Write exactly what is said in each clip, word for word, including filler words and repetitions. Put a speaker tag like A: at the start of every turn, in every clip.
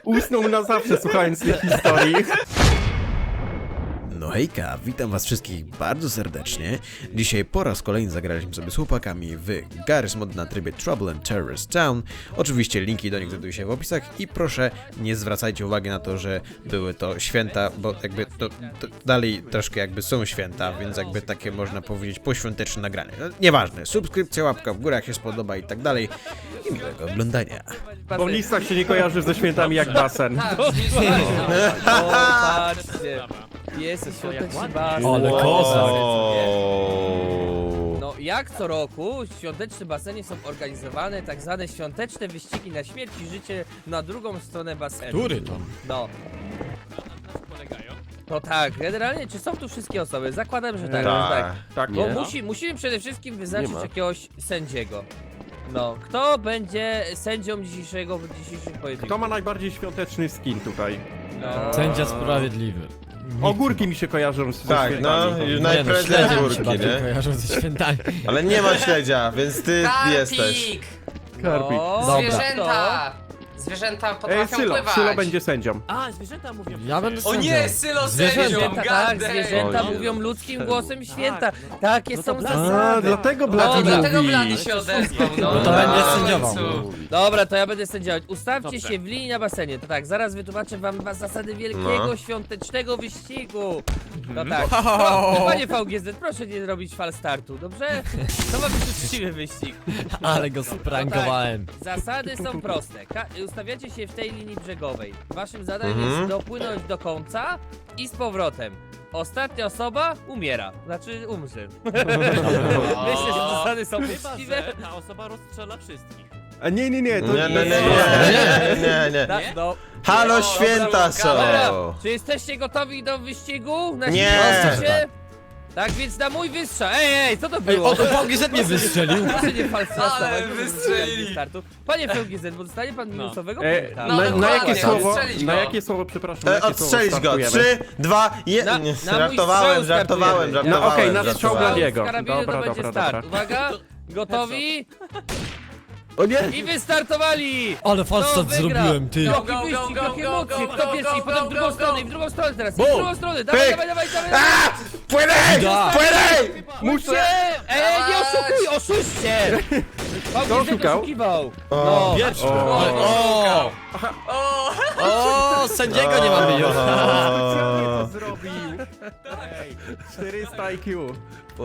A: Usnął na zawsze, słuchając tej historii.
B: No hejka, witam was wszystkich bardzo serdecznie. Dzisiaj po raz kolejny zagraliśmy sobie z chłopakami w Garry's Mod na trybie Trouble and Terrorist Town. Oczywiście linki do nich znajdują się w opisach i proszę nie zwracajcie uwagi na to, że były to święta, bo jakby to, to dalej troszkę jakby są święta, więc jakby takie można powiedzieć poświąteczne nagranie. No, nieważne, subskrypcja, łapka w górę jak się spodoba i tak dalej i miłego oglądania.
A: Bo w listach się nie kojarzy ze świętami jak basen.
C: O, patrzcie. Jest świąteczny basen.
D: Ale kozak.
C: No jak co roku w świątecznym basenie są organizowane tak zwane świąteczne wyścigi na śmierć i życie na drugą stronę basenu.
D: Który to?
C: No. No tak, generalnie czy są tu wszystkie osoby? Zakładam, że tak.
B: Tak.
C: Że tak.
A: Tak,
C: Bo
A: nie?
C: musi, musimy przede wszystkim wyznaczyć
A: Nie ma.
C: jakiegoś sędziego. No, kto będzie sędzią dzisiejszego, dzisiejszych pojedynków?
A: Kto ma najbardziej świąteczny skin tutaj?
C: No.
D: Sędzia sprawiedliwy. Nikt
A: Ogórki mi się kojarzą z
B: Tak,
A: ze
B: no,
A: świętami.
B: już
D: Nie, no,
B: najprędzej
D: śledzia mi się
B: górki,
D: bardziej
B: nie?
D: kojarzą ze świętami.
B: Ale nie ma śledzia, więc ty
E: Karpik!
B: jesteś.
A: Karpik.
C: No,
D: Dobra.
E: Zwierzęta! Zwierzęta
A: Ej,
E: potrafią
A: Sylo,
E: pływać.
A: Sylo będzie sędzią.
C: A, zwierzęta mówią.
D: Ja będę
E: O
D: sędzią.
E: nie, Sylo
D: Zwierzęta.
E: sędzią!
C: Zwierzęta, tak,
E: gadaj.
C: zwierzęta
B: Oj.
C: mówią ludzkim głosem święta. Takie są
A: A,
C: zasady.
A: dlatego
E: No,
A: Blady
E: dlatego
A: mówi.
E: Blady się odezwał, no.
D: No to
E: no,
D: będzie
E: w
D: sędziował.
E: końcu.
C: Dobra, to ja będę sędziować. Ustawcie się w linii na basenie. To tak, zaraz wytłumaczę wam was zasady wielkiego,
B: No.
C: świątecznego wyścigu. No tak. Pro, panie V G Z, proszę nie robić fal startu, dobrze? To ma być uczciwy wyścig.
D: Ale go sprankowałem.
C: Zasady są proste. Ka ustawiacie się w tej linii brzegowej. Waszym zadaniem
B: Mhm.
C: jest dopłynąć do końca i z powrotem. Ostatnia osoba umiera. Znaczy umrze. Myślę, że zasady są uczciwe.
F: Ta osoba rozstrzela wszystkich.
A: A nie, nie, nie, to
B: Nie, nie, nie,
C: Nie.
B: nie, nie, nie.
C: Tak, no.
B: Halo,
E: O,
B: święta są!
C: Dobra, czy jesteście gotowi do wyścigu? Na
B: Nie.
C: siłę się? Tak więc na mój wystrzał. Ej, ej, co to
D: Ej,
C: było?
D: o, to V G Z mnie wystrzelił.
C: Proszę nie falsować.
E: Ale wystrzelili.
C: Startu. Panie V G Z, bo dostanie pan minusowego
A: E,
C: punkta.
E: No,
A: na, na
E: dokładnie,
A: jakie słowo,
E: odstrzelić
A: na
E: go.
A: jakie słowo, przepraszam, na
B: E,
A: jakie
B: Odstrzelić
A: słowo
B: go!
A: startujemy?
B: Trzy, dwa,
C: Na-
B: jeden.
C: na mój
B: Żartowałem,
C: strzał
B: żartowałem,
C: startujemy.
B: żartowałem.
A: No okej, na
B: żartowałem.
A: strzał Bladiego.
C: Z karabinu
A: Dobra,
C: to będzie
A: dobra,
C: start.
A: dobra.
C: Uwaga, gotowi
A: O nie!
C: i wystartowali!
D: Ale
C: Kto
D: falstart
C: wygra?
D: zrobiłem, ty.
E: Go,
C: Jaki
E: go,
C: wyścig,
E: go,
C: jakie
E: go,
C: emocje!
E: go,
C: Kto
E: go,
C: pierwszy i
E: go,
C: potem w
E: go,
C: drugą
E: go,
C: stronę,
E: go.
C: i w drugą stronę teraz, i w
D: Bum.
C: drugą stronę! Dawaj,
B: Pyk.
C: dawaj, dawaj, dawaj!
B: A! Płynę!
D: Da.
B: Płynę!
C: Muszę! Ej, nie oszukuj, oszuście!
A: Kto oszukał?
C: oszukiwał?
B: O,
C: No.
D: Pierwszy.
A: O.
D: O,
E: O,
D: o, sędziego nie mamy już.
A: Specjalnie to zrobił! Ej, czterysta I Q.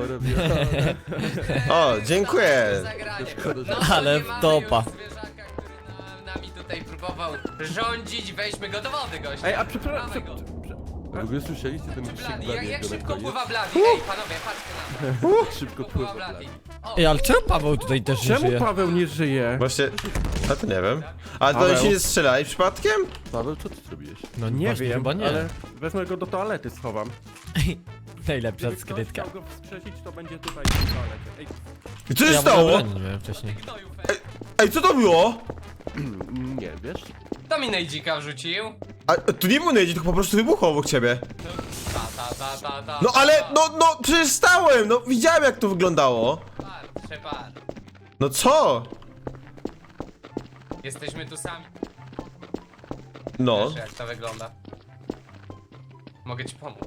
B: O, dziękuję.
E: zagranie. No,
D: Ale
E: nie mamy
D: topa.
E: już zwierzaka, który na- nami tutaj próbował rządzić. Weźmy go do wody, gościa.
A: Ej, a przepraszam,
E: Mamy go.
G: W ogóle słyszeliście ten wyścig
E: Blady, jak,
G: Bladiego
E: jak
G: na
E: szybko
G: koniec?
E: pływa Blady? Ej, panowie, patrzcie na to.
G: Szybko
E: Pływa
G: pływa
E: Blady.
G: Blady.
E: O,
D: Ej, ale czemu Paweł tutaj też nie
A: czemu
D: żyje?
A: Paweł nie żyje?
B: Właśnie, a to nie wiem. A to
A: Paweł.
B: się nie strzelali przypadkiem?
G: Paweł, co ty zrobiłeś?
D: No
A: Nie
D: właśnie,
A: wiem,
D: chyba nie.
A: ale wezmę go do toalety, schowam.
D: Najlepsza
A: Gdyby ktoś
D: skrytka.
A: chciał go wskrzesić, to będzie tutaj w toalecie. Ej,
B: I co się
D: Ja w ogóle
B: stało?
D: broni nie miałem wcześniej.
E: gnoju, fe.
B: Ej, co to było?
G: Nie, wiesz?
E: Kto mi Nejdzika wrzucił?
B: A tu nie był nejdzik, tylko po prostu wybuchło obok ciebie.
E: Ta, ta, ta, ta, ta.
B: No ale, no, no, przecież stałem, no widziałem jak to wyglądało.
E: Par, przepar.
B: No co?
E: Jesteśmy tu sami.
B: No.
E: Wiesz, jak to wygląda. Mogę ci pomóc.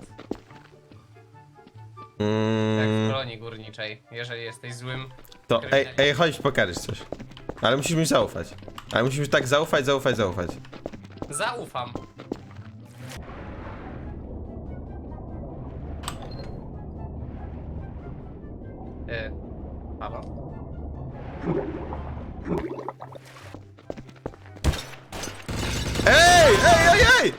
E: Jak w
B: Mm,
E: kolonii górniczej. Jeżeli jesteś złym.
B: to, ej, ej, chodź pokażesz coś. Ale musisz mi zaufać. Ale musisz mi tak zaufać, zaufać, zaufać.
E: Zaufam. Yy, halo?
B: Ej, ej, ej, ej!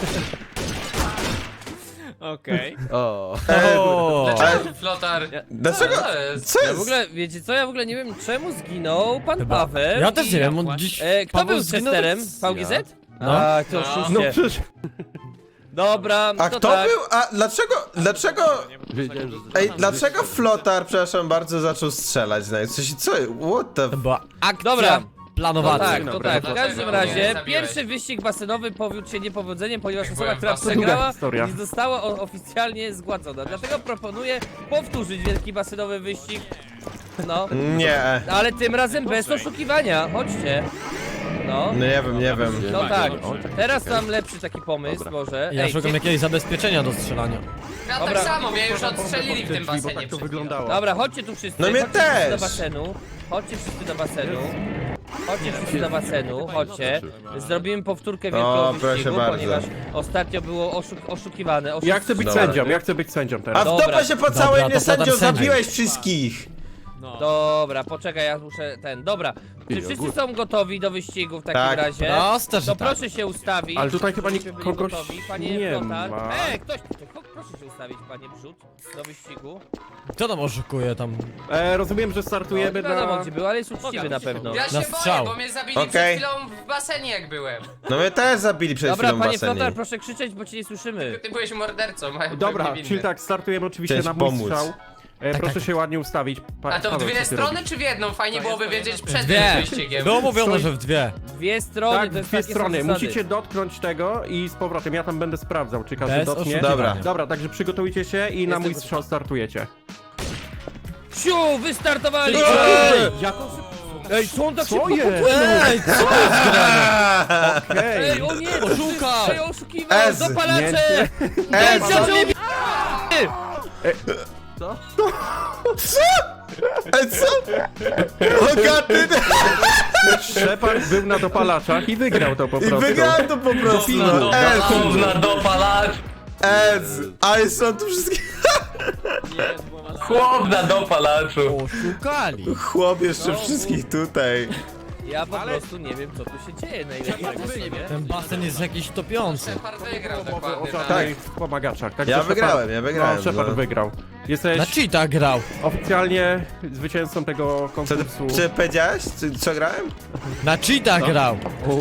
F: Okej.
G: O.
D: O,
E: Dlaczego flotar?
B: Dlaczego?
E: Co to jest?
B: Co
C: Ja w
B: jest?
C: ogóle, wiecie co, ja w ogóle nie wiem czemu zginął pan
D: chyba.
C: Paweł.
D: Ja też
C: i-
D: nie wiem, on dziś...
C: E, kto
D: Paweł
C: był
D: zginął
C: testerem?
D: tak-
C: V G Z?
D: No.
C: A, to
E: No.
C: oszuście.
A: no przecież...
C: Dobra,
B: A
C: to
B: kto
C: tak.
B: był? A dlaczego, dlaczego...
G: Wiedziałem, że...
B: Ej, dlaczego Flotar, przepraszam bardzo, zaczął strzelać na coś? Co? What the...
D: To była akcja
C: Dobra. No
D: planowana.
C: tak, to
A: Dobra,
C: tak. W
E: dlaczego
C: każdym
E: mnie
C: razie
E: zabiłeś?
C: pierwszy wyścig basenowy powiódł się niepowodzeniem, ponieważ
E: Jak
C: osoba,
E: byłem
C: która
E: w basenie.
C: przegrała,
A: Druga historia.
C: nie została o- oficjalnie zgładzona. Dlatego proponuję powtórzyć wielki basenowy wyścig. No,
B: Nie.
C: ale tym razem bez oszukiwania. Chodźcie. No.
B: No nie wiem, nie wiem.
C: No tak,
G: O, tak,
C: teraz
G: okej.
C: mam lepszy taki pomysł,
G: Dobra.
C: może.
D: Ja
C: Ej,
D: szukam
C: cie-
D: jakiegoś zabezpieczenia do strzelania.
E: Ja
C: Dobra.
E: tak samo, mnie już odstrzelili w tym
A: Drzwi, bo
E: basenie
A: tak to
E: przed chwilą.
A: wyglądało.
C: Dobra, chodźcie tu wszyscy.
B: No mnie
C: chodźcie wszyscy
B: też.
C: do basenu. Chodźcie wszyscy do basenu. Chodźcie wszyscy do basenu, chodźcie. Zrobimy powtórkę
B: O,
C: wielkiego
B: proszę
C: wyścigu,
B: bardzo.
C: ponieważ ostatnio było oszuk oszukiwane.
A: Ja chcę być
B: Dobra.
A: sędzią, ja chcę być sędzią
B: A
A: teraz.
B: w
C: Dobra.
B: dupę się po
D: Dobra,
B: całej
D: to
B: mnie sędzio
D: podam sędzią.
B: zabiłeś wszystkich!
F: No.
C: Dobra, poczekaj, ja muszę ten. Dobra, czy
G: Idę,
C: wszyscy
G: gór.
C: są gotowi do wyścigu w takim
B: Tak.
C: razie?
D: Proste, że
C: To
D: tak.
C: proszę się ustawić.
A: Ale tutaj chyba
C: żebyśmy
A: nie-
C: byli
A: kogoś
C: gotowi. Panie
A: nie
C: Flotar.
A: ma.
C: Ej, ktoś tutaj, ko- proszę się ustawić, panie Brzut, do wyścigu.
D: Kto tam oszukuje tam?
A: E, rozumiem, że startujemy
C: No, wiadomo
A: na...
C: gdzie był, ale jest uczciwy na pewno.
E: Ja się
D: Na
E: boję,
D: strzał.
E: bo mnie zabili
B: Okej.
E: przed chwilą w basenie jak byłem.
B: No mnie też zabili przed
C: Dobra,
B: chwilą w
C: panie
B: basenie.
C: Flotar, proszę krzyczeć, bo cię nie słyszymy.
E: Ty byłeś mordercą, a
A: Dobra,
E: niewinny.
A: czyli tak, startujemy oczywiście
B: Chciałeś
A: na mój
B: pomóc.
A: strzał. E,
D: Tak,
A: proszę
D: tak.
A: się ładnie ustawić. Pa,
E: A to w
A: Paweł,
E: dwie
A: co ty
E: strony
A: robisz?
E: czy w jedną? Fajnie byłoby wiedzieć przed
D: Dwie.
E: tym wyścigiem.
D: Było mówione,
A: Stoi-
D: że w dwie.
C: Dwie strony,
A: Tak,
C: to jest
A: dwie
C: takie są
A: strony.
C: zasady.
A: Musicie dotknąć tego i z powrotem. Ja tam będę sprawdzał, czy każdy
D: Bez
A: dotknie.
D: oszukiwania.
B: Dobra.
A: Dobra, także przygotujcie się i na
C: Jestem
A: mój
C: gotowy.
A: strzał startujecie.
C: Siu, wystartowali!
B: Ej!
A: Jaką
C: Ej, co on tak
A: Co
C: szybko
A: jest?
C: popłynął?
D: Ej, co jest grane?
A: Okej.
C: Ej, o nie,
D: Oszukał.
C: Ej, oszukiwał,
B: Ez.
C: dopalacze!
B: Ez.
C: Ej, zaczął mi...
B: Ej, co? Hogaty!
A: Shepard był na dopalaczach i wygrał to po
B: I
A: prostu.
B: wygrałem to po prostu, no. Ez!
E: Gówna dopalacz!
B: Ez! Ale są tu wszystkie...
E: Chłop na dopalaczu!
D: Oszukali.
B: Chłop jeszcze wszystkich tutaj.
C: Ja po prostu nie wiem, co tu się dzieje najlepszego w sobie.
D: Ten basen jest jakiś topiący.
E: Shepard wygrał
A: O
E: dokładnie, tak.
A: żadnych pomagaczach. Także
B: Ja
A: Shepard-
B: wygrałem, ja wygrałem,
A: No, Shepard
B: no.
A: wygrał. Jesteś
D: Na cheatach grał.
A: oficjalnie zwycięzcą tego
B: Co ty,
A: konkursu.
B: czy powiedziałeś? Czy, co grałem?
D: Na cheatach grał.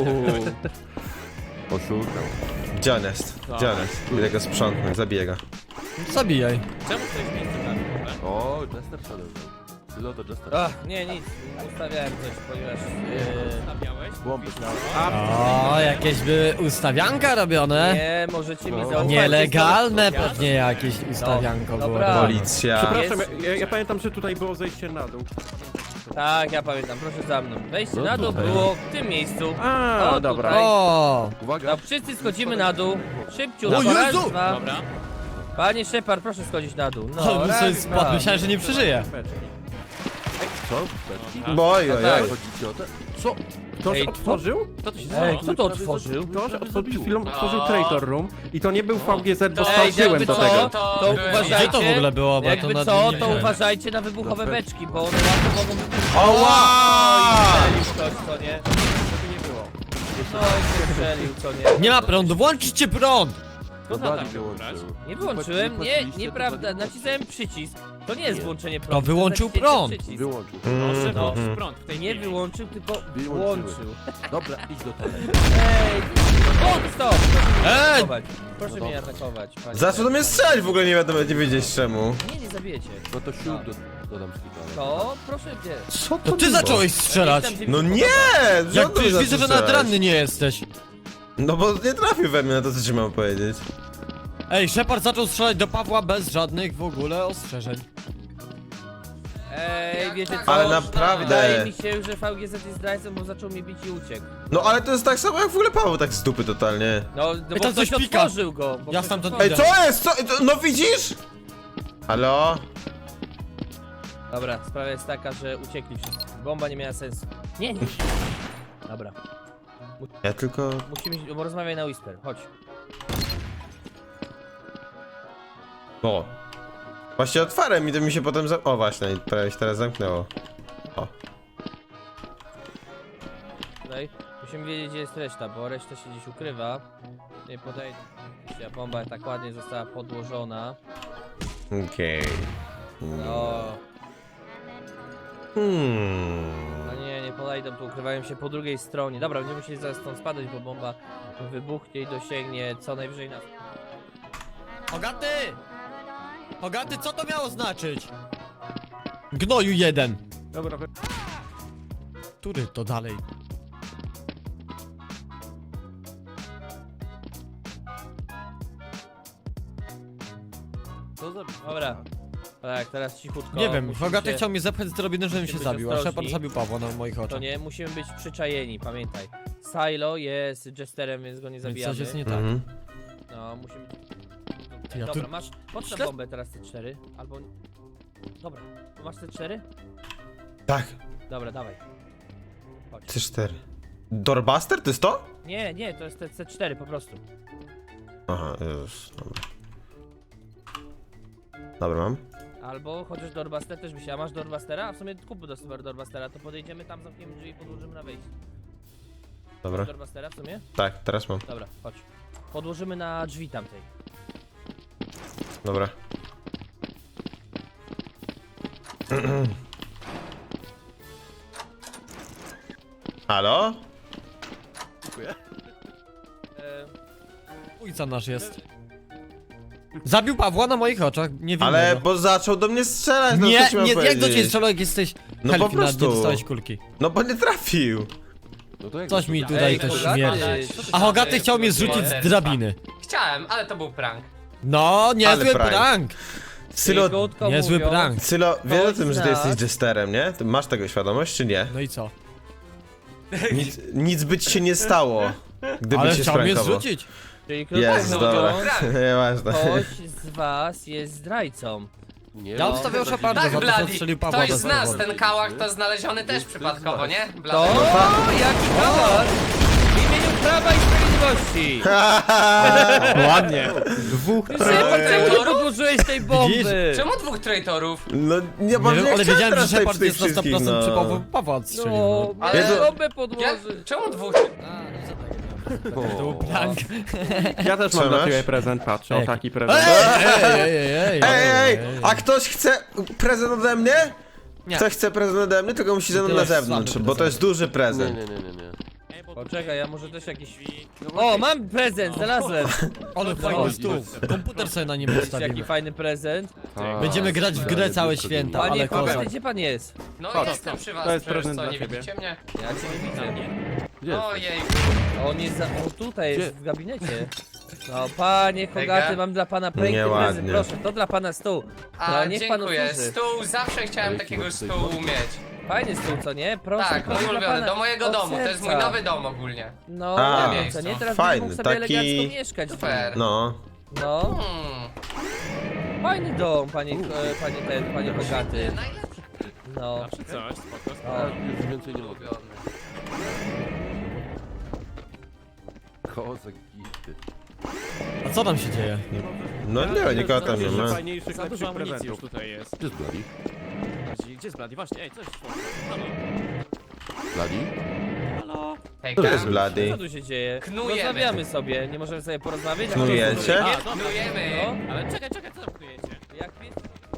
G: Oszukał.
B: Gdzie on jest? Gdzie on jest? Idę go sprzątnę, zabiję go.
D: Zabijaj.
F: Czemu ktoś mi chce
G: O, Jester Shadow. Tylo do Jester.
C: Ach, nie, nic, ustawiałem coś, ponieważ... Yy,
F: Stawiałeś?
G: Bomby.
D: O, jakieś by ustawianka robione.
C: nie, możecie mi
A: No.
C: zaufać.
D: Nielegalne pewnie jakieś ustawianko było.
C: dobra.
D: robione.
B: Policja.
A: Przepraszam,
C: Jest-
A: ja, ja pamiętam, że tutaj było zejście na dół.
C: Tak, ja pamiętam, proszę za mną. Wejście
G: No
C: na dół
G: tutaj.
C: było w tym miejscu.
A: A,
C: O,
A: dobra.
C: tutaj.
D: O,
G: Uwaga.
C: No, wszyscy schodzimy na dół. Szybciu,
D: O
C: raz,
D: Jezu!
C: dwa.
F: Dobra.
C: Panie Shepard, proszę schodzić na dół. No,
D: no,
C: raz,
D: sobie
C: dwa.
D: spadł. Myślałem, że nie przeżyje.
G: Co? Beczki?
B: Boj, oj,
C: tak.
B: oj.
G: Chodzicie o te?
A: Co? Ktoś
C: Ej, co?
A: otworzył?
F: Kto to się
C: Ej,
F: stało?
C: kto to otworzył?
A: Ktoś otworzył, przed chwilą otworzył Traitor Room i to nie był V G Z, bo
E: Ej,
A: spałczyłem
C: jakby
A: do
C: co,
A: tego.
C: to
E: byłem
C: uważajcie.
E: ja.
D: Gdzie to w ogóle było? Bo ja to
C: Jakby
D: na
C: co,
D: nie
C: to
D: widziałem.
C: uważajcie na wybuchowe
G: Dobra.
C: beczki, bo one łatwo mogą wybuchnąć.
B: Oła!
C: Strzelił ktoś, co nie? Żeby nie było. No i się strzelił, co nie?
D: Nie ma prądu, włączcie prąd!
G: No
F: na
G: Dani
F: tam
G: wyłączył.
C: Nie wyłączyłem, nie,
G: płaciliście,
C: nieprawda,
G: to Dani
C: nacisnąłem przycisk. To nie jest
G: Nie.
C: włączenie prądu.
D: No, wyłączył
C: to jest naciśnięcie
D: prąd.
C: przycisk.
G: Wyłączył.
F: Proszę,
C: No.
F: włączyć prąd w tej
C: Nie
F: chwili.
C: wyłączył, tylko
G: Wyłączyły.
C: włączył.
G: Dobra, idź do toalety.
C: Ej, o, stop!
D: Ej!
C: Proszę, proszę mnie atakować, panie.
B: Zaczął do mnie strzelać, w ogóle nie wiadomo, nie wiedzieć czemu.
C: Nie, nie zabijecie.
G: No to siód do, dodam skipane.
C: To, proszę mnie.
B: Co
D: To ty zacząłeś strzelać!
C: Jestem, gdzie
B: No
C: mi się
B: nie!
C: podoba.
D: Jak
B: Co ty
D: przecież
B: zaczął
D: widzę, że
B: strzelać?
D: nawet ranny nie jesteś.
B: No bo nie trafił we mnie, no to co ci mam powiedzieć?
D: Ej, Shepard zaczął strzelać do Pawła bez żadnych w ogóle ostrzeżeń.
C: Ej,
E: Jak
C: wiecie
E: tak
C: co?
B: Ale naprawdę.
C: Wydaje mi się, że V G Z jest zdrajcą, bo zaczął mnie bić i uciekł.
B: No ale to jest tak samo jak w ogóle Paweł, tak z dupy totalnie.
C: No, no
D: Ej,
C: bo
D: tam
C: ktoś
D: coś pika.
C: otworzył go. Bo
D: Ja
C: ktoś
D: stamtąd
C: otworzył.
B: Ej, co jest? Co? To- No widzisz? Halo?
C: Dobra, sprawa jest taka, że uciekli wszyscy. Bomba nie miała sensu. Nie, nie. Dobra,
B: Ja tylko...
C: musimy, bo rozmawiaj na Whisper, chodź.
B: O. Właśnie otwarłem i to mi się potem za... O właśnie, prawie się teraz zamknęło. O.
C: Tutaj musimy wiedzieć, gdzie jest reszta, bo reszta się gdzieś ukrywa. Nie podejdę. A bomba tak ładnie została podłożona.
B: Okej.
C: No,
B: Hmm.
C: no nie, nie podejdą, tu ukrywają się po drugiej stronie. Dobra, będziemy musieli zaraz stąd spadać, bo bomba wybuchnie i dosięgnie co najwyżej nas.
D: Hogaty! Hogaty, co to miało znaczyć? Gnoju jeden.
A: Dobra, wy-
D: Który to dalej?
G: Co za...
C: Dobra. Tak, teraz cichutko.
D: Nie wiem,
C: musimy
D: Hogaty
C: się-
D: chciał mnie zepchać z drabiny, żebym się
C: musimy być
D: zabił, a
C: ostrożni.
D: Shepard zabił Pawła na moich
C: To
D: oczach.
C: nie, musimy być przyczajeni, pamiętaj. Silo jest Jesterem, więc go nie
D: Więc
C: zabijamy.
D: coś jest nie tak.
B: Mhm.
C: No, musimy...
D: Ja
C: Dobra,
D: tu-
C: masz... Podstaw
D: Śled-
C: bombę teraz C cztery, albo... Dobra, masz C cztery?
B: Tak,
C: Dobra, dawaj. Chodź.
B: C cztery. Doorbuster? To jest to?
C: Nie, nie, to jest te C cztery po prostu.
B: Aha, już, dobra. Dobra, mam.
C: Albo chociaż Doorbuster też by się... A masz Doorbustera? A w sumie kup do Super Doorbustera, to podejdziemy tam, zamkniemy drzwi i podłożymy na wejście.
B: Dobra.
C: Masz Doorbustera w sumie?
B: Tak, teraz mam.
C: Dobra, chodź. Podłożymy na drzwi tamtej.
B: Dobra. Halo?
C: E,
D: Ujca nasz jest. Zabił Pawła na moich oczach, nie wiem.
B: Ale bo zaczął do mnie strzelać, no
D: Nie,
B: co ci mam
D: nie, jak do
B: powiedzieć?
D: ciebie strzelał, jak jesteś
B: No
D: Helfi,
B: po
D: nawet
B: prostu.
D: nie dostałeś kulki.
B: No bo nie trafił.
G: No to jak
D: Coś mi
G: to-
D: tutaj
C: Ej,
D: też
C: Hogaty,
D: śmierdzi.
C: co ty
D: A
C: tam
D: Hogaty
C: jest?
D: chciał mnie zrzucić z drabiny.
E: Chciałem, ale to był prank.
D: No, niezły
B: prank.
D: prank.
B: Sylo,
C: Krótko
D: Niezły
C: mówiąc,
D: prank.
B: Sylo, wiesz o
C: Ktoś
B: tym, że
C: z
B: ty
C: nas-
B: jesteś jesterem, nie? Ty masz tego świadomość, czy nie?
D: No i co?
B: Nic, nic by ci się nie stało, gdyby
D: Ale
B: cię
D: chciał mnie
B: sprankował.
D: zrzucić.
C: Czyli krótko
B: Jest,
C: mówiąc,
B: dobra.
E: Prank.
B: Nieważne.
C: ktoś z was jest zdrajcą.
G: Nie,
D: Ja
G: no,
D: obstawiał
G: to-
D: Sheparda
E: Tak,
D: za to, że
E: Bloody.
D: odstrzelił Pawła
E: Ktoś
D: bez
E: z nas,
D: powodu.
E: ten kałach to znaleziony też przypadkowo, nie?
C: To?
E: Bloody.
C: Jaki kałak! W imieniu Prawa i Sprawiedliwości!
A: Ładnie. Dwóch
C: Szybko, czemu nie podłożyłeś tej bomby?
E: Czemu dwóch traitorów?
B: No nie,
D: Nie
B: bo
D: wiem,
B: nie
D: ale
B: chciałem
D: wiedziałem, że
B: teraz tutaj
D: Shepard
B: przy tych
D: jest na sto
B: wszystkich,
D: procent
B: no.
D: przy Pawła, Pawła odstrzelił.
C: No,
D: No.
C: miałem
B: Jezu.
C: bombę
E: Jak,
C: podłożyć.
E: czemu dwóch?
D: To był prank.
A: Ja też
B: Co
A: mam dla
B: masz?
A: ciebie prezent, patrz, o
D: Ej.
A: taki prezent.
D: Ej, ej, ej, ej,
B: Ej, ej, a ktoś chce prezent ode mnie?
D: Nie.
B: Ktoś chce prezent ode mnie, tylko musi ze mną
D: To
B: na
D: jest
B: zewnątrz,
D: słaby
B: bo to jest duży
G: Nie,
B: prezent.
G: nie, nie, nie, nie.
C: Poczekaj, ja może też jakiś... O, mam prezent, znalazłem!
D: Ale fajny stół. Komputer sobie na nim
C: Jaki
D: postawimy.
C: fajny prezent.
G: A,
D: Będziemy grać w grę całe
G: blisko
D: święta,
C: Panie
D: ale
C: Hogaty,
D: kozak.
C: gdzie pan jest?
E: No
A: Chodź,
E: jestem przy was,
A: to jest
E: przecież
A: prezent
E: co,
A: dla
E: nie
A: ciebie.
E: widzicie mnie?
C: Ja cię nie widzę.
G: Gdzie jest?
E: Ojej,
C: On jest za... O, tutaj
A: Gdzie?
C: jest w gabinecie. No, panie Hogaty,
E: Ega?
C: mam dla pana piękny
B: Nieładnie.
C: prezent, proszę, to dla pana stół.
E: a
C: No, niech pan
E: dziękuję.
C: otworzy.
E: Stół, zawsze chciałem
G: Ale
E: takiego
G: chyba tutaj
E: stół mieć.
C: Fajny stół, co nie? Proszę,
E: Tak,
C: proszę
E: mój
C: dla
E: ulubiony,
C: pana.
E: do mojego
C: Od
E: domu, to jest mój
C: serca.
E: nowy dom ogólnie.
C: No,
B: A,
C: nie wiem, co nie? Teraz
B: fajny,
C: będziesz mógł sobie
B: taki-
C: elegancko mieszkać.
E: Super.
B: No.
C: No,
E: Hmm.
C: fajny dom, panie, e, panie ten, panie Hogaty.
E: Najlepszy
C: No,
F: Czy coś, spoko, spoko.
C: o.
G: Już więcej nie mogę.
E: ulubiony.
G: Kozak gity.
D: A co tam się dzieje?
B: No nie, nikogo tam nie ma.
A: Fajniejszych,
F: Za dużo
A: lepszych
F: amunicji już
A: prezentów.
F: tutaj jest.
G: Gdzie jest Bloody?
F: Gdzie gdzie jest Blady? Właśnie, ej, coś szło. Halo,
G: Bloody?
F: halo.
E: Hejka.
B: To jest Bloody.
C: Co tu się dzieje?
E: Knujemy.
C: Rozmawiamy sobie, nie możemy sobie porozmawiać?
B: Knujecie?
F: A, dobra,
E: Knujemy.
C: No,
F: ale czekaj, czekaj, co tam knujecie?
C: jak pies...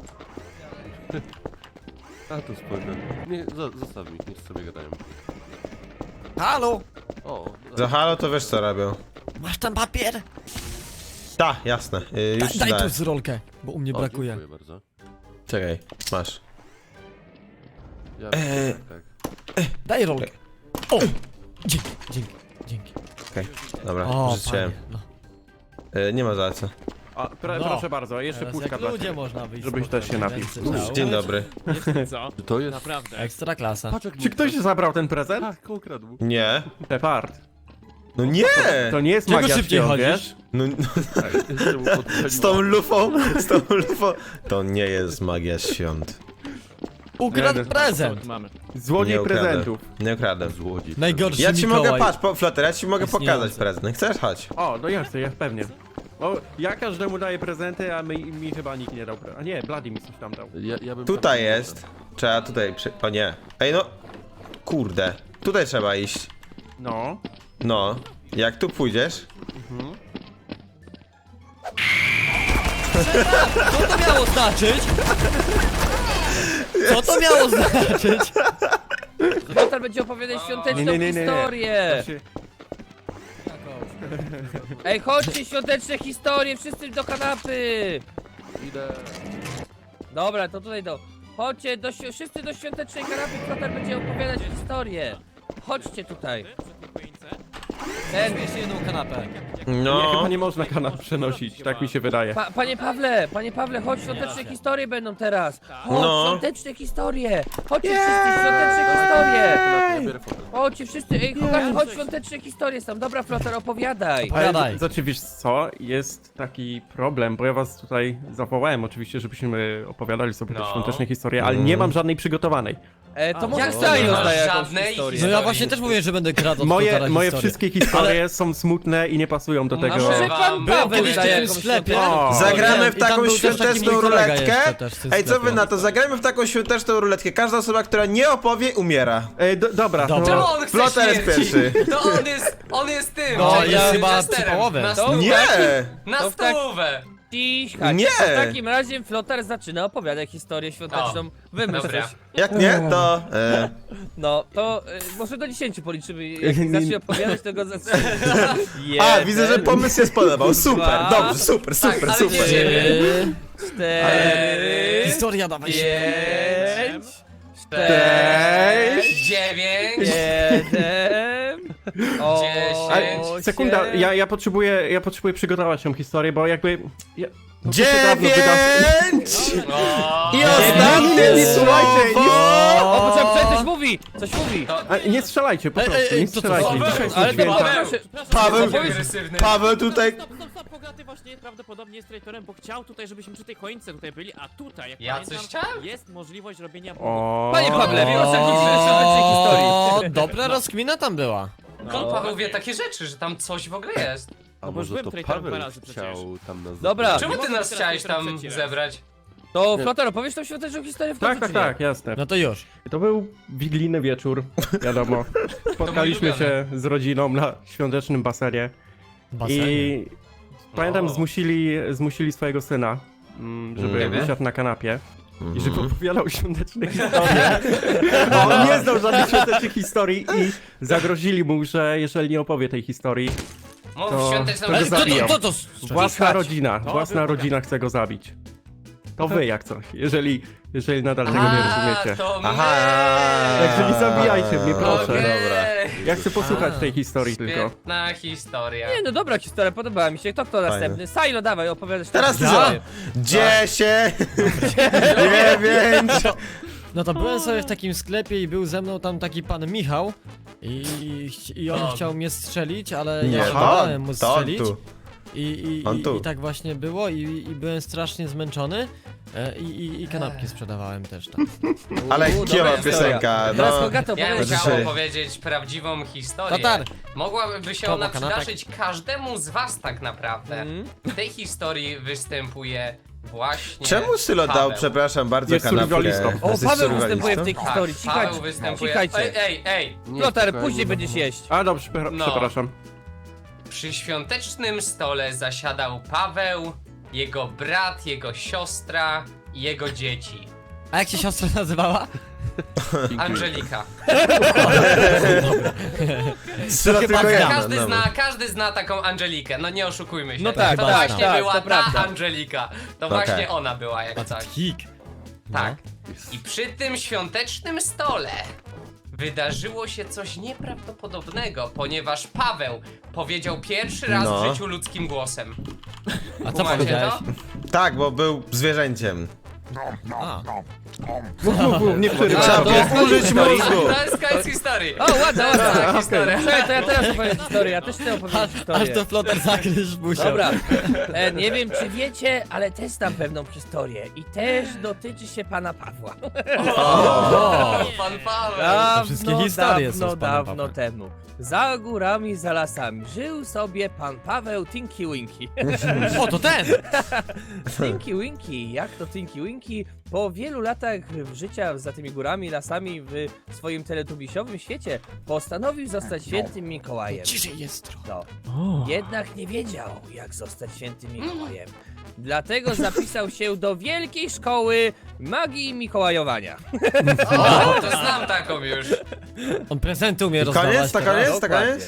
G: A tu spojrzę. Nie, zo- zostaw mi, niech sobie gadają.
D: Halo?
G: O,
B: Za halo to wiesz co robią.
D: Masz tam papier?
B: Ta, jasne, y, już
D: Daj,
B: ci
D: daj
B: daję.
D: tu z rolkę, bo u mnie
G: o,
D: brakuje.
G: dziękuję bardzo.
B: Czekaj, masz.
G: Ja,
B: Eee.
G: tak, tak.
D: Daj rolkę. O! Dzięki, dzięki, dzięki.
B: Okej, dobra,
D: O,
B: rzuciłem.
D: panie, no.
B: Y, nie ma za co.
A: A, pro,
D: No.
A: proszę bardzo, jeszcze
D: Teraz
A: puszka
D: jak
A: dla
D: ludzie
A: ciebie.
D: można wyjść.
A: Żebyś też się
D: spokojnie,
A: napił.
D: ręce ciało.
B: Dzień dobry.
F: Co?
G: Czy to jest...
F: Naprawdę.
D: Ekstra klasa.
G: Patrz jak
A: Czy ktoś zabrał ten prezent?
G: Tak, ukradł.
B: Nie.
A: Shepard.
B: No nie!
A: To nie jest
D: Czego
A: magia
D: szybciej
A: świąt,
D: chodzisz?
A: wiesz?
B: No,
G: Tak, jeszcze mu podpaliło.
B: z tą lufą, z tą lufą. To nie jest magia świąt.
D: Ukradł
A: Nie,
F: Co
D: prezent!
F: tu mamy?
A: Złodziej
B: Nie ukradę.
A: prezentów.
B: Nie ukradłem.
G: Złodziej.
D: Najgorszy
B: Ja ci
D: Mikołaj.
B: mogę, patrz, po, Flutter, ja ci mogę
D: Istniejący.
B: pokazać prezent. Chcesz? Chodź.
A: O, no jasne, ja pewnie. O, ja każdemu daję prezenty, a mi, mi chyba nikt nie dał pre... A nie, Bloody mi coś tam dał.
G: Ja, ja bym
B: Tutaj
G: tam-
B: jest. Trzeba tutaj przy... O nie. Ej no. Kurde. Tutaj trzeba iść.
A: No.
B: No. Jak tu pójdziesz?
D: Co to miało znaczyć? Co to miało znaczyć?
C: Lotar będzie opowiadać świąteczną
A: Nie, nie, nie, nie.
C: historię.
A: To się...
C: Ej, chodźcie, świąteczne historie, wszyscy do kanapy.
G: Idę.
C: Dobra, to tutaj do... Chodźcie, do, świ- wszyscy do świątecznej kanapy, Lotar będzie opowiadać historię. Chodźcie tutaj.
F: Przy tej choince?
C: Ten,
D: Jeszcze jedną kanapę.
A: Nie,
B: No.
A: chyba nie można kanap przenosić, tak mi się wydaje.
C: pa, panie Pawle, panie Pawle, chodź, świąteczne historie będą teraz. Chodź,
B: No.
C: świąteczne historie. Chodźcie wszyscy, świąteczne historie.
G: Ja biorę fotel.
C: Chodźcie wszyscy, ej, chodź, chodź, świąteczne historie są. Dobra, Flotar, opowiadaj.
D: Opowiadaj.
A: Znaczy, wiesz co, jest taki problem, bo ja was tutaj zawołałem oczywiście, żebyśmy opowiadali sobie te
E: No.
A: świąteczne historie, ale nie mam żadnej przygotowanej.
C: E, to może
E: jak to
C: Staj
E: nie masz
C: rozdaje jakąś
E: żadnej
C: historię.
D: No ja właśnie też mówię, że będę kradł od
A: Moje,
D: Flotara
A: moje
D: historię.
A: wszystkie historie są smutne i nie pasują do tego.
C: A może
E: Wam
C: pan
E: było
C: Paweł
E: kiedyś
C: daje
D: w tym
C: jakąś
D: sklepie.
C: świąteczną
A: O.
C: historię?
B: Zagramy w
D: I tam
B: taką
D: był też taki
B: świąteczną
D: mój kolega
B: ruletkę.
D: jeszcze też w tym
B: Ej, co wy
D: sklepie.
B: na to? Zagrajmy w taką świąteczną ruletkę. Każda osoba, która nie opowie, umiera.
A: E, do, dobra,
D: Dobra.
E: Czemu
A: to...
E: on chce
B: Flotar jest
E: śmierci?
B: pierwszy.
E: To on jest, on jest tym.
D: No,
E: James
D: jest chyba
E: Chesterem.
D: przypałowy.
E: Na
C: To-
E: stówę.
B: Nie!
E: Na
C: To w tak-
E: stówę.
C: Cichać.
B: Nie.
C: To w takim razie Flotar zaczyna opowiadać historię świąteczną. Wymyśl
E: Dobra.
C: coś.
B: Jak nie, to... E,
C: No, to y, może do dziesięciu policzymy. Jak zacznie opowiadać, to go zacznie.
B: a, widzę, że pomysł się spodobał. Super,
C: dwa,
B: dobrze, super,
E: Tak,
B: super,
E: ale
B: super.
E: nie-
C: Trzy, cztery,
D: Historia dawaj się.
C: pięć,
E: Sześć, dziewięć,
C: jeden,
E: Dziesięć.
C: osiem,
A: Sekunda, ja, ja, potrzebuję, ja potrzebuję przygotować tą historię, bo jakby... Ja, no, to się dawno wyda-
B: Dziewięć!
E: O,
B: I
A: Nie,
B: ostatnie
A: słuchajcie, nie-
B: słowo!
C: O, poczekaj, poczekaj, coś mówi! Coś mówi!
A: A, nie strzelajcie, po
D: Ej,
A: prostu,
D: ej, ej,
A: nie
D: co to
A: strzelajcie.
E: Paweł,
A: Dzisiaj są
C: Ale to
A: święta.
C: Paweł się...
B: Paweł,
E: Jaki agresywny.
B: Paweł tutaj...
F: Stop, stop, stop, Bogaty właśnie prawdopodobnie jest traitorem, bo chciał tutaj, żebyśmy przy tej choince tutaj byli, a tutaj, jak
E: Ja
F: pamiętam,
E: coś chciałem?
F: jest możliwość robienia
A: O...
C: Panie Pawle, proszę o świątecznej
D: O,
C: historii.
D: dobra rozkmina tam była.
E: Skąd Paweł wie takie rzeczy, że tam coś w ogóle jest?
G: A
F: No bo już
G: może
F: byłem
G: to
F: traitorem
G: Paweł
F: dwa razy przecież.
G: chciał tam nas
C: Dobra.
G: zabrać?
E: Czemu ty
F: mogę
E: nas
F: teraz
E: chciałeś
F: traitorem
E: tam
F: trzeci raz.
E: zebrać?
C: To Flotar, opowiesz tą świąteczną historię w końcu,
A: Tak, tak,
C: czy nie?
A: tak, jasne.
D: No to już.
A: To był wigilijny wieczór, wiadomo. Spotkaliśmy
E: mój
A: się z rodziną na świątecznym basenie
D: Basenie.
A: i pamiętam,
E: O.
A: zmusili, zmusili swojego syna, mm, żeby
B: Mhm.
A: usiadł na kanapie i żeby opowiadał świąteczne historie. Bo on nie znał żadnych świątecznych historii i zagrozili mu, że jeżeli nie opowie tej historii,
E: Mów
A: To-
E: świąteczną
A: to go
D: Ej, kto to,
A: zabiją.
D: kto to?
A: własna rodzina, własna
F: był
A: rodzina chce go zabić. To wy jak coś, jeżeli, jeżeli nadal tego nie
E: A,
A: rozumiecie.
E: to my.
B: Aha.
A: Także nie zabijajcie mnie, proszę.
E: Okej.
B: Dobra.
A: Ja chcę posłuchać tej historii tylko.
E: Świetna historia.
C: Nie, no dobra historia, podobała mi się. Kto kto następny? Silo, dawaj, opowiadasz
B: Teraz ty
C: tę
B: za.
C: historię.
B: Dziesięć! Dziewięć!
D: No to byłem sobie w takim sklepie i był ze mną tam taki pan Michał i, i on
E: O.
D: chciał mnie strzelić, ale
B: Nie,
D: ja
B: to,
D: dałem mu
B: to on
D: strzelić.
B: tu.
D: I, i,
B: On
D: i,
B: tu.
D: I tak właśnie było i, i byłem strasznie zmęczony e, i, i, i kanapki sprzedawałem też tam.
B: Ale
C: U,
B: kijowa
C: dobra historia.
B: piosenka,
C: Teraz
B: no.
C: Bogato,
E: Ja bym
C: opowiadaj.
B: Znaczy-
E: chciał opowiedzieć prawdziwą historię.
D: Tatar.
E: Mogłaby się
D: Koło
E: ona
D: kanapek.
E: przydarzyć każdemu z was tak naprawdę.
C: Mhm.
E: W tej historii występuje właśnie
B: Czemu Sylo dał,
E: Paweł.
B: przepraszam bardzo,
A: Jest
B: kanapkę?
A: survivalistą.
C: O,
B: Jesteś
C: Paweł
B: survivalistą?
C: występuje w tej
E: Tak,
C: historii. Cichać,
E: Paweł występuje.
C: cichajcie.
E: Ej, ej, ej!
G: Nie,
C: Flotar,
G: spokojnie.
C: później będziesz jeść.
A: A dobrze, prze-
E: No.
A: przepraszam.
E: Przy świątecznym stole zasiadał Paweł, jego brat, jego siostra i jego dzieci.
D: A jak się siostra nazywała?
E: Angelika.
B: Sylo tylko
D: Chyba
B: jedna,
E: Każdy
B: dobra.
E: zna, każdy zna taką Angelikę, no nie oszukujmy się.
C: No tak,
E: to
C: tak,
E: właśnie
C: tak,
E: była
C: to
E: ta
C: prawda.
E: Angelika. To
B: Okej.
E: właśnie ona była jak coś.
D: Hik.
E: Tak. I przy tym świątecznym stole wydarzyło się coś nieprawdopodobnego, ponieważ Paweł powiedział pierwszy raz
B: No.
E: w życiu ludzkim głosem.
D: A co
E: Kumacie
D: powiedziałeś?
E: to?
B: Tak, bo był zwierzęciem.
D: A,
A: Mów, mów, mów, nie przerywaj.
B: Trzeba
C: to
B: było
C: jest
B: wkurzyć
C: historia.
B: mózgu.
E: To jest koniec historii.
C: O, ładna, ładna.
E: Tak, historia.
C: Czekaj, to ja teraz opowiem historię, ja też chcę opowiedzieć
D: aż
C: historię.
D: to flotar zakrysz musiał.
C: Dobra, e, nie wiem czy wiecie, ale też znam pewną historię i też dotyczy się pana Pawła.
E: O, pan Paweł.
C: Dawno,
D: wszystkie historie są
C: dawno,
D: z panem
C: dawno
D: Pawłem.
C: temu. Za górami, za lasami żył sobie pan Paweł Tinky Winky.
D: O, to ten!
C: Tinky Winky, jak to Tinky Winky? Po wielu latach życia za tymi górami, lasami w swoim teletubisiowym świecie postanowił zostać świętym Mikołajem.
D: Ciszej jest trochę.
C: No. Jednak nie wiedział, jak zostać świętym Mikołajem. Dlatego zapisał się do wielkiej szkoły magii Mikołajowania.
E: O, to znam taką już.
D: On prezenty umie rozdawać.
B: Koniec, to
D: teraz.
B: koniec, to
C: Dokładnie.
B: koniec?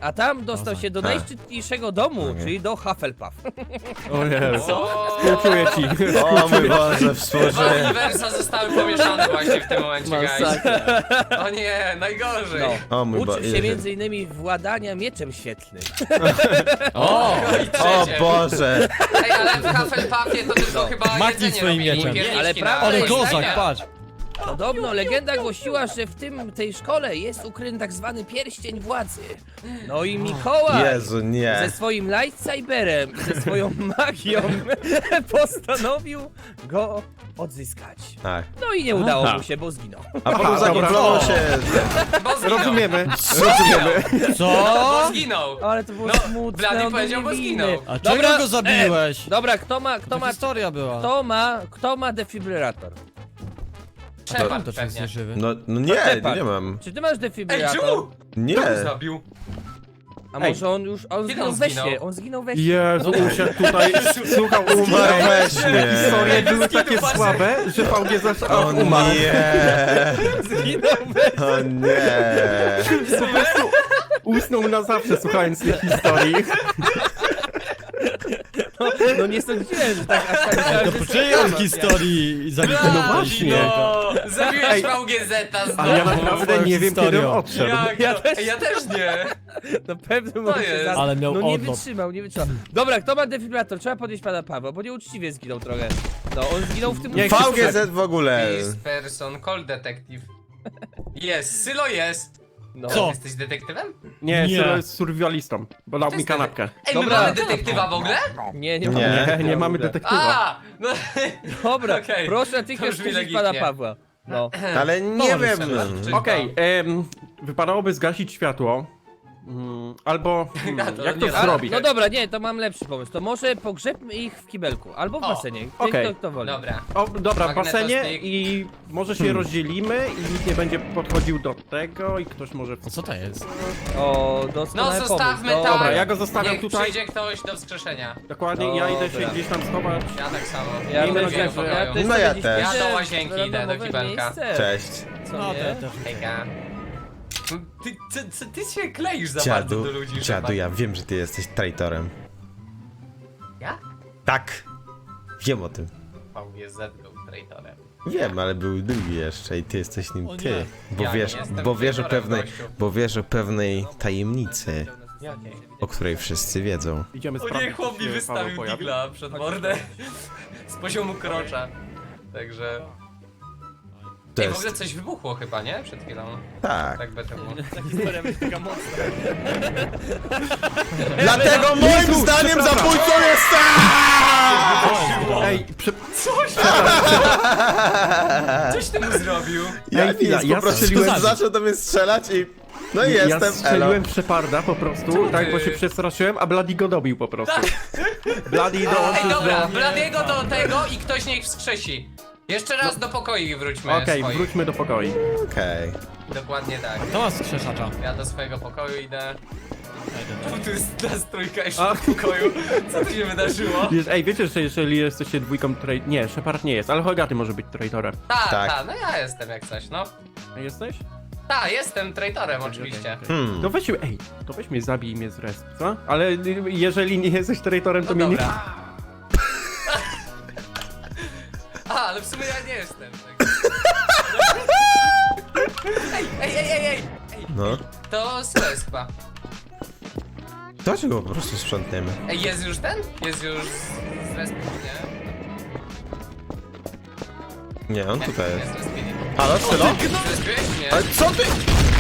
C: A tam dostał się do
B: Tak.
C: najszczytniejszego domu,
B: Okej.
C: czyli do Hufflepuff.
A: O Jezu.
E: Co?
A: Współczuję ci.
B: O mój Boże,
E: Dwa
B: współczuję.
E: uniwersa zostały pomieszane właśnie w tym momencie, guys.
C: Masakra.
E: O nie, najgorzej.
C: No.
B: O mój
C: Uczył
B: Boże.
C: się między innymi władania mieczem świetlnym.
D: O!
E: No i
B: O
E: trzecie.
B: Boże.
E: Ej, ale w Hufflepuffie to tylko
C: No.
E: chyba
D: Machnij
E: jedzenie
D: swoim
E: robili,
D: mieczem.
E: pierniczki
C: Ale
E: na
C: prawda
D: Ale
C: jest
E: jedzenie.
D: kozak, patrz!
C: Podobno legenda głosiła, że w tym, tej szkole jest ukryty tak zwany pierścień władzy. No i Mikołaj
B: Jezu,
C: ze
B: nie.
C: swoim lightsaberem i ze swoją magią postanowił go odzyskać.
B: Tak.
C: No i nie udało
A: Aha.
C: mu się, bo zginął.
B: A potem
A: Aha,
B: zagimplował
A: dobra.
B: się.
E: Bo zginął.
A: Rozumiemy.
E: Rozumiemy.
D: Co?
E: Bo zginął.
C: Ale to było
E: No,
C: smutne,
E: Blady
C: on
E: powiedział,
C: był
E: bo
C: niewinny.
E: zginął.
D: A
C: Dobra,
D: czego go zabiłeś?
C: Dobra, kto ma, kto
D: To
C: ma,
D: historia była.
C: kto ma, kto ma defibrylator?
E: Shepard
D: To czy
E: pewnie.
D: jest żywy?
B: No, no nie,
C: Shepard.
B: nie mam.
C: Czy ty masz
E: Ej,
C: defibrylator?
E: Ju!
B: Nie.
E: Kto go zabił?
C: A może on już, on
E: Kiedy
C: zginął
E: on
C: we
E: zginął?
C: śnie, on zginął we śnie.
A: Jezu, usiadł tutaj, słuchał,
B: Umarł we śnie.
A: Historie były
E: Zginął
A: takie
E: właśnie.
A: słabe, że V G zaś
B: O
A: umarł.
B: nie.
C: Zginął we
B: O nie.
A: Po prostu usnął na zawsze, słuchając tej historii.
C: No nie sądziłem, że tak aż tak myślałem,
D: To
C: że
D: po
C: jest
D: czyjej on
C: dramat,
D: historii zabił
E: No
A: właśnie.
E: No, zabiłeś
A: Ej,
E: V G Z-a znowu.
A: Ale ja naprawdę nie wiem, kiedy on
D: Historią.
A: odszedł.
E: Jak
C: Ja
E: to?
C: też-
E: Ej, ja też nie.
C: nie? Na pewno może się
E: jest?
C: za-
D: Ale miał
C: No nie
D: odlot.
C: wytrzymał, nie wytrzymał. Dobra, kto ma defibrylator? Trzeba podnieść pana Pawła, bo nieuczciwie zginął trochę. No, on zginął w tym...
A: Nie,
B: V G Z w ogóle.
E: This person, call detective. Jest, Sylo jest.
C: No.
D: Co?
E: Jesteś detektywem?
A: Nie,
D: Nie.
A: Sylo jest survivalistą, bo dał
E: To
A: mi
E: jest
A: kanapkę.
E: Ej,
C: Dobra.
E: my mamy detektywa w ogóle?
C: Nie, nie,
B: Nie.
C: ma.
A: Nie, nie mamy detektywa.
E: A, no,
C: Dobra,
E: Okej.
C: proszę
E: To
C: natychmiast
E: brzmi
C: podnieść pana
E: legitnie.
C: Pawła. No.
B: Ale nie wiem.
E: Szybko.
A: Okej, em, wypadałoby zgasić światło. Mm, albo
E: Ja
A: hmm,
E: to
A: jak
E: nie
A: to
E: da.
A: zrobić?
C: No dobra, nie, to mam lepszy pomysł. To może pogrzebmy ich w kibelku, albo w
E: O,
C: basenie. Ty,
A: okej.
C: kto, kto woli.
E: dobra.
A: O, dobra, w basenie
E: Magnetostyk.
A: i może się rozdzielimy i nikt nie będzie podchodził do tego i ktoś może...
D: A co to jest?
C: O,
E: No
C: doskonały
E: zostawmy
C: pomysł.
E: tak.
A: Dobra, ja go zostawiam
E: Niech
A: tutaj.
E: przyjdzie ktoś do wskrzeszenia.
A: Dokładnie, ja idę się
C: Dobra.
A: gdzieś tam schować.
E: Ja tak samo.
C: Ja
A: Miejmy
C: też,
A: nadzieję,
C: ja,
A: że-
C: ja też
B: No ja
C: sobie
B: też.
C: gdzieś
E: Ja do
C: idę
E: łazienki
C: w
E: idę, do
C: randomowe
E: kibelka.
C: miejsce.
B: Cześć.
C: Co
D: No,
C: nie?
D: to ja też.
E: Hejka. Ty, ty, ty, ty się kleisz za bardzo
B: Dziadu,
E: do ludzi,
B: dziadu,
E: Shepard.
B: ja wiem, że ty jesteś traitorem.
E: Ja?
B: Tak. Wiem o tym.
E: V G Z był traitorem.
B: Wiem, ale był drugi jeszcze i ty jesteś nim
D: O
B: ty.
D: nie.
B: Bo
E: Ja nie
B: wiesz,
E: jestem
B: bo wiesz o
E: traitorem,
B: pewnej,
E: gościu.
B: bo wiesz o pewnej tajemnicy,
E: Jakiej?
B: o której wszyscy wiedzą.
A: Idziemy
E: O nie,
A: sprawdzić,
E: chłop mi
A: czy się Paweł
E: wystawił
A: pojawi.
E: digla przed mordę z poziomu krocza. Także...
B: To
E: Ej, w ogóle
B: jest...
E: coś wybuchło chyba, nie? Przed chwilą.
B: Tak.
E: Tak by to było.
C: Ta historia będzie taka mocna.
B: Dlatego moim zdaniem zabójcą jest
A: Ej, prze...
E: Coś ty mu zrobił?
B: Ja
A: Ej, chwila,
B: nic,
A: ja
B: po prostu
A: strzeliłem-
B: zaczął do mnie strzelać i... No i
A: ja
B: jestem, elo.
A: strzeliłem Sheparda po prostu,
E: Czemu
A: tak,
E: ty?
A: bo się przestraszyłem, a Bloody go dobił po prostu. Bloody
E: Ej,
A: dołączył
E: dobra,
A: do...
E: Bladiego do tego i ktoś niech wskrzesi. Jeszcze raz do pokoi wróćmy
A: Okej,
E: swoich.
A: wróćmy do pokoi.
B: Okej.
E: Dokładnie tak.
D: To ma skrzeszacza.
E: Ja do swojego pokoju idę.
D: Ej,
E: Tu jest nas trójka jeszcze
A: A.
E: w pokoju. Co tu się wydarzyło?
A: Wiesz, ej, wiecie, że jeżeli jesteście dwójką trai... Nie, Shepard nie jest, ale Hogaty może być traitorem.
E: Ta,
B: Tak.
E: ta, no ja jestem jak coś, no.
A: A jesteś?
E: Ta, jestem traitorem oczywiście.
B: Hmm.
A: To weź, ej, to weź mnie zabij i mnie zresp, co? Ale y, jeżeli nie jesteś traitorem, to
E: No
A: mnie nie...
E: dobra. A, ale w sumie ja nie jestem. Tak. Ej, ej, ej, ej, ej! Ej,
B: No.
E: to Syles chyba.
B: Dlaczego go po prostu sprzątniemy?
E: Ej, jest już ten? Jest już z respi, nie?
B: Nie, on tutaj
E: Nie,
B: jest.
E: z respi nie.
B: Halo, Sylo?
E: Zrespiłeś? Nie.
B: Ale co ty?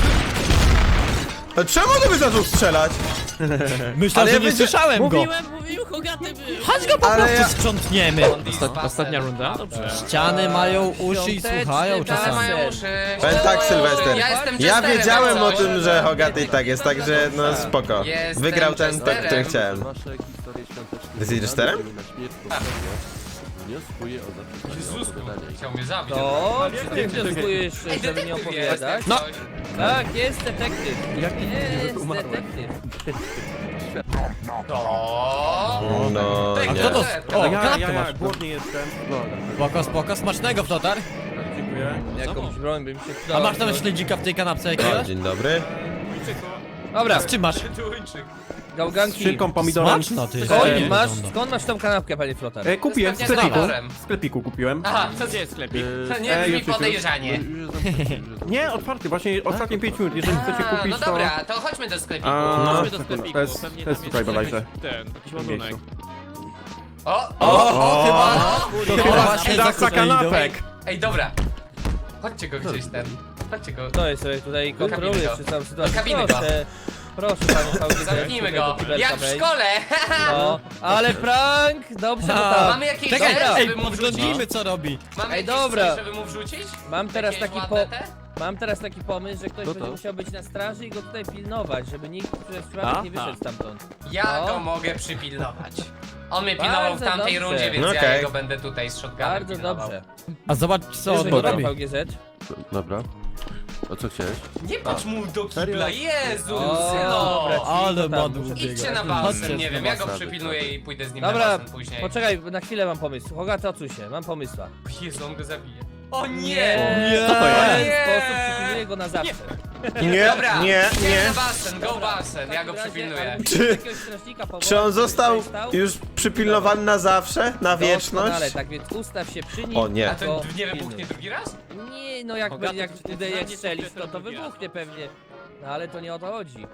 B: A czemu ty byś zaczął strzelać?
D: Myślałem,
B: Ale
D: że
B: ja
D: nie
B: wiedzia-
D: słyszałem go.
F: Mówiłem, mówił, Hogaty był.
D: Chodź go po
B: Ale
D: prostu
B: ja-
D: sprzątniemy.
F: Osta ostatnia runda? Dobrze.
D: Ściany mają uszy i
C: Świąteczny
D: słuchają
C: basen.
E: Ale
D: czasami.
E: mają uszy.
B: Powiem tak, Sylwester.
E: Ja jestem
B: Ja
E: jesterem,
B: wiedziałem
E: jak
B: o
E: coś.
B: tym, że Hogaty i tak jest, także no spoko.
E: Jestem
B: Wygrał ten,
E: jesterem.
B: tak, który chciałem.
G: Wasze historie świąteczne.
B: Ty jesteś jesterem?
G: Na śmierć poprzednio wnioskuję o zapisanie
E: Jezus,
G: opowiadania.
E: chciał mnie zabić.
C: To, czy ty wnioskujesz,
E: Ej,
C: żeby nie
E: detektyw jest.
C: opowiadać?
E: No.
C: Tak, jest detektyw.
A: Jaki
C: Jest
A: umarłem?
C: detektyw.
E: To...
B: No
E: Ej,
D: A
B: nie.
D: kto to...
E: O,
D: O,
A: ja, ja,
D: kanapkę
A: ja,
D: masz.
A: głodny jestem.
D: Spoko, spoko, smacznego, Flotar.
A: Dziękuję.
C: Jakąś broń bym się
D: A
C: przydał.
D: masz tam śledzika w tej kanapce jakiegoś?
B: Dzień dobry.
C: Dobra,
D: Z czym masz?
E: Tuńczyk.
C: gałganki.
A: Z szynką, pomidorem.
D: Smaczna ty.
C: Skąd
D: Fajnie
C: masz,
D: wygląda.
C: skąd masz tą kanapkę, panie Flotar?
A: E, kupiłem w
E: Pewnie
A: sklepiku.
E: zaworem.
A: W sklepiku kupiłem.
E: Aha, co
F: Gdzie jest sklepik?
E: To nie
A: Ej,
E: brzmi
A: już, już,
E: podejrzanie.
G: Już jest zamknięty, już jest zamknięty.
A: Nie, otwarty, właśnie ostatnie pięć minut. Jeżeli chcecie
E: A,
A: kupić,
E: no
A: to...
E: dobra, to chodźmy do sklepiku.
A: A,
F: Chodźmy do
A: to-
F: sklepiku,
A: to jest-
F: pewnie
A: to jest
F: tam
A: tutaj
F: jakiś
A: bodajże.
F: ten, jakiś ładunek.
E: O,
C: O,
E: o,
C: chyba-
E: o,
D: Chyba właśnie za
A: Dawca kanapek!
E: Ej, dobra. Chodźcie go gdzieś ten. Chodźcie go.
C: To jest sobie tutaj kontrolujesz
E: Kabiny go.
C: czy całą sytuację.
E: kabiny go.
C: Proszę, proszę panie V G Z.
E: Zamknijmy
C: tutaj
E: go.
C: do kibelka
E: Jak w
C: wejdź.
E: szkole.
C: No, ale prank! Dobrze, bo
D: A,
C: tak.
E: Mamy jakieś
D: Czekaj,
E: rzeczy,
D: ej,
E: żeby mu wrzucić?
D: podglądnijmy co robi.
E: Mamy
C: Ej,
E: jakieś
C: dobra.
E: coś, żeby mu wrzucić?
C: Mam teraz
E: Jakieś
C: taki
E: ładne
C: po...
E: te?
C: Mam teraz taki pomysł, że ktoś
G: No
C: będzie
G: to.
C: musiał być na straży i go tutaj pilnować, żeby nikt przez przypadek nie
F: Aha.
C: wyszedł stamtąd.
E: Ja
C: No.
E: go mogę przypilnować. On mnie
C: Bardzo
E: pilnował w tamtej
C: dobrze.
E: rundzie, więc
B: No
E: ja
B: okej.
E: jego będę tutaj z shotgunem
C: Bardzo
E: pilnował.
C: dobrze.
D: A zobacz co on
C: Bierze go
D: robi.
C: V G Z.
G: Dobra. A co chciałeś?
E: Nie patrz mu do kibla, Jezus!
C: O,
E: No.
C: dobra, ci
D: Ale
C: to tam
D: madł
C: muszę
D: biega.
E: Idźcie na
D: Chodźcie
E: basen, nie
D: na
E: wiem, ja go
G: basen.
E: przypilnuję i pójdę z nim
C: Dobra,
E: na basen później.
C: poczekaj, na chwilę mam pomysł. Hogaty, odsuń się, mam pomysła.
E: Jezu, on go zabije. O nie!
D: Nie.
C: Co to
D: Nie.
C: jest? W ten sposób przypilnuję go na zawsze.
B: Nie,
E: Dobra,
B: nie,
E: idziemy
B: nie.
E: na basen, go basen, ja go
C: W takim razie,
E: przypilnuję.
C: ale musisz
B: Czy-
C: jakiegoś strażnika powołać,
B: Czy on
C: żeby
B: został
C: tutaj stał?
B: już przypilnowany na zawsze? Na
C: Doskonale,
B: wieczność?
C: tak więc ustaw się przy nim.
B: O nie.
E: A to
C: go
E: nie
C: pilnuj.
E: wybuchnie drugi raz?
C: Nie, no jak,
F: Hogaty,
C: jak,
F: to
C: jak,
F: nie
C: jak
F: jest
C: strzelisz, to to
F: drugi raz.
C: wybuchnie pewnie. No ale to nie o to chodzi.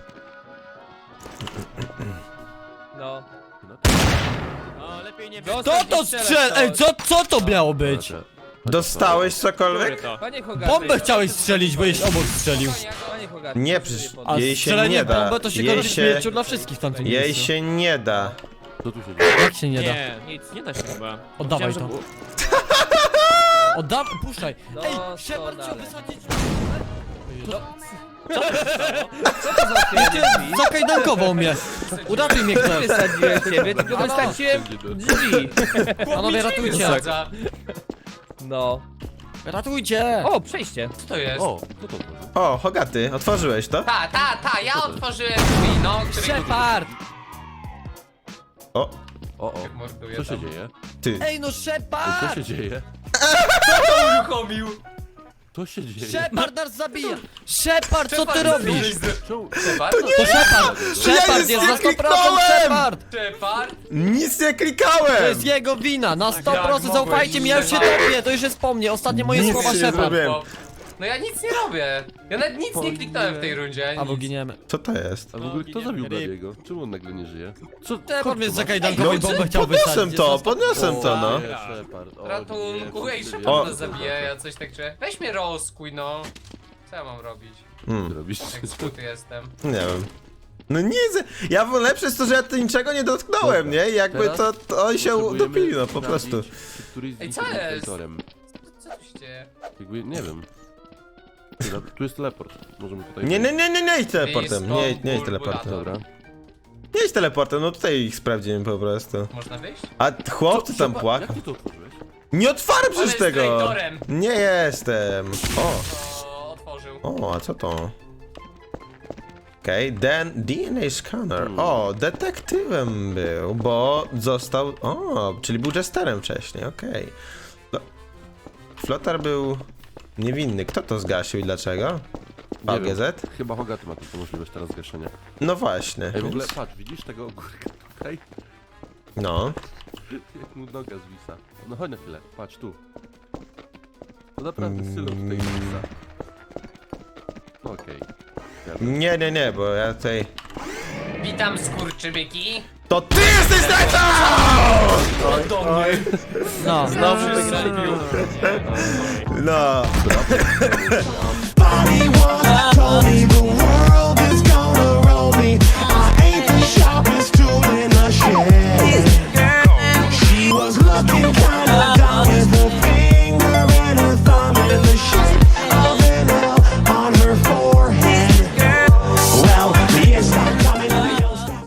C: No.
F: O, lepiej nie
C: Dostał
D: Kto to
C: gdzieś strzelać,
D: strzel? Ej, co, co to miało być?
G: Dobra.
B: Dostałeś
F: Który
B: cokolwiek?
F: to?
C: Panie Hogaty.
D: Bombę chciałeś strzelić, bo jeś obok strzelił.
C: Panie Hogaty.
B: Nie,
C: proszę
B: przecież-
C: sobie
D: A
B: Jej się
D: strzelenie
B: nie
D: w
B: da.
D: bombę to się
B: Jej
D: kończy
B: się-
D: śmiercią dla wszystkich w tamtym
B: Jej
D: miejscu.
B: się nie da.
G: Co tu się dzieje?
D: Jak się nie da?
F: Nie, nic, nie da się chyba.
D: Oddawaj
F: Chciałem,
D: to.
F: żeby-
D: Oddam, puszczaj.
C: No,
D: Ej,
C: to
D: Shepard chciał
C: dalej.
D: wysadzić...
C: Co to za otwieranie
D: Zakajdankował mnie. Uratuj mnie
C: Nie
D: ktoś.
C: wysadziłem ciebie, tylko
D: Halo?
C: wysadziłem drzwi.
D: Panowie, ratujcie.
E: Sadza.
C: No.
D: Ratujcie.
C: O, przejście.
E: Co to jest?
G: O, kto to otworzył?
B: O, Hogaty, otworzyłeś to?
E: Ta, ta, ta, ja otworzyłem drzwi, no, który
D: Shepard.
B: O,
G: O, o.
E: morduje
G: Co się
E: tam.
G: dzieje?
B: ty.
D: Ej, no
G: Co
D: Shepard.
G: się dzieje?
E: Uruchomił!
G: Co się dzieje?
D: Shepard nas zabija. Shepard, co ty robisz?
G: Czemu?
E: Shepard?
D: To Shepard. Shepard
B: nic
D: jest
B: nie
D: na sto procent
B: kliknąłem.
D: Shepard.
E: Shepard?
B: Nic nie
D: To
B: klikałem!
D: jest jego wina, na sto
E: Jak
D: procent
E: mogłeś
D: zaufajcie mi, ja już się
E: Shepard?
D: topię, to już jest po mnie, ostatnie moje
B: Nic
D: słowa
B: nie
D: Shepard.
B: zrobiłem.
E: Bo- No ja nic nie robię. Ja nawet nic nie kliknąłem w tej rundzie.
D: Albo
E: nic.
D: giniemy.
B: Co to jest?
G: A w ogóle kto zabił
D: Ryb.
G: Bladiego? Czemu on nagle nie żyje? Co?
D: Shepard mnie
B: No,
D: zakajdankował i bombę chciał
B: podniosłem
D: wysadzić.
B: to,
D: jest na sto-
B: podniosłem to, no.
G: Nie, Shepard. O,
E: Ratunku,
G: nie,
E: ej,
G: co ty
E: Shepard
B: O.
E: nas zabije, ja coś tak czuję. Weź mnie rozkuj, no. Co ja mam robić?
B: Hmm,
G: robisz?
E: Jak skuty jestem.
B: nie wiem. No nic, ja w lepsze jest to, że ja tu niczego nie dotknąłem, nie? I jakby
G: Teraz
B: to, to oni się
G: Potrzebujemy
B: utopili, no po prostu.
G: sprawdzić, czy któryś z
E: Ej,
G: nich
E: co
G: jest
E: jest?
G: traitorem.
E: Co tu się dzieje?
G: Jakby, nie wiem. Dobra, tu jest teleport. Możemy tutaj...
B: Nie, nie, nie, nie, nie idź teleportem, nie, nie idź
E: Blisko
B: teleportem.
G: Dobra.
B: Nie idź teleportem, no tutaj ich sprawdzimy po prostu.
E: Można wyjść?
B: A chłopcy tam
G: Shepard,
B: płakał.
G: Jak ty to otworzyłeś?
B: Nie otwarłem
E: On
B: przecież
E: jest
B: tego!
E: traitorem.
B: Nie jestem. O,
E: O, otworzył.
B: o, a co to? Okej, okay, D N A scanner. O, detektywem był, bo został... O, czyli był jesterem wcześniej, okej. Okay. Flotar był niewinny. Kto to zgasił i dlaczego?
G: Nie wiem.
B: V G Z?
G: Chyba Hogaty ma tylko możliwość teraz zgaszenia.
B: No właśnie.
G: Ej, w ogóle
B: więc-
G: patrz, widzisz tego ogórka tutaj?
B: No.
G: Jak mu noga zwisa. No chodź na chwilę, patrz tu. To naprawdę Sylo tutaj zwisa. No okej. Okay.
B: Nie, nie, nie, bo ja tutaj...
E: Witam, skurczybyki.
B: To ty jesteś zdrajcą!
E: Do mnie.
D: No.
B: Znowu wygrali. No.
H: Body one, Tony boy.